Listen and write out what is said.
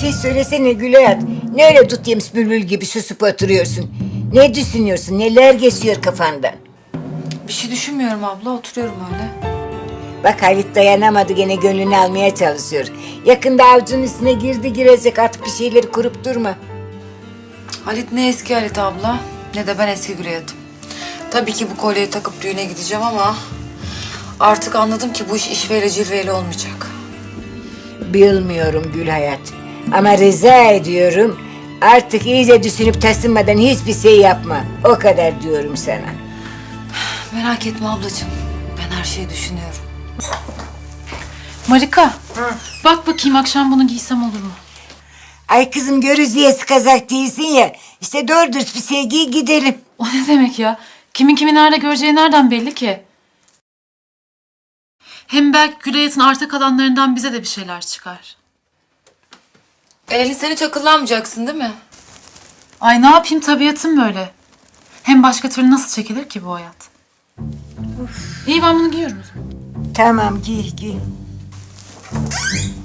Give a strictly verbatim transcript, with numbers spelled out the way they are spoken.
şey söylesene Gülayat. Ne öyle dut yemiş bülbül gibi susup oturuyorsun? Ne düşünüyorsun? Neler geçiyor kafandan? Bir şey düşünmüyorum abla, oturuyorum öyle. Bak Halit dayanamadı, gene gönlünü almaya çalışıyor. Yakında avucunun üstüne girdi girecek, artık bir şeyleri kurup durma. Halit ne eski Halit abla, ne de ben eski Gülayat'ım. Tabii ki bu kolyeyi takıp düğüne gideceğim ama... ...artık anladım ki bu iş işveyle cilveyle olmayacak. Bilmiyorum Gülhayat. Ama rica ediyorum, artık iyice düşünüp taşınmadan hiçbir şey yapma. O kadar diyorum sana. Merak etme ablacığım, ben her şeyi düşünüyorum. Marika, bak bakayım akşam bunu giysem olur mu? Ay kızım, görüzüyesi kazak değilsin ya. İşte doğru dürüst bir şey giy gidelim. O ne demek ya? Kimin kimi nerede göreceği nereden belli ki? Hem belki Gülayat'ın arta kalanlarından bize de bir şeyler çıkar. Eleni sen hiç akıllanmayacaksın değil mi? Ay ne yapayım, tabiatım böyle. Hem başka türlü nasıl çekilir ki bu hayat? İyi, ben bunu giyiyorum o zaman. Tamam, giy giy.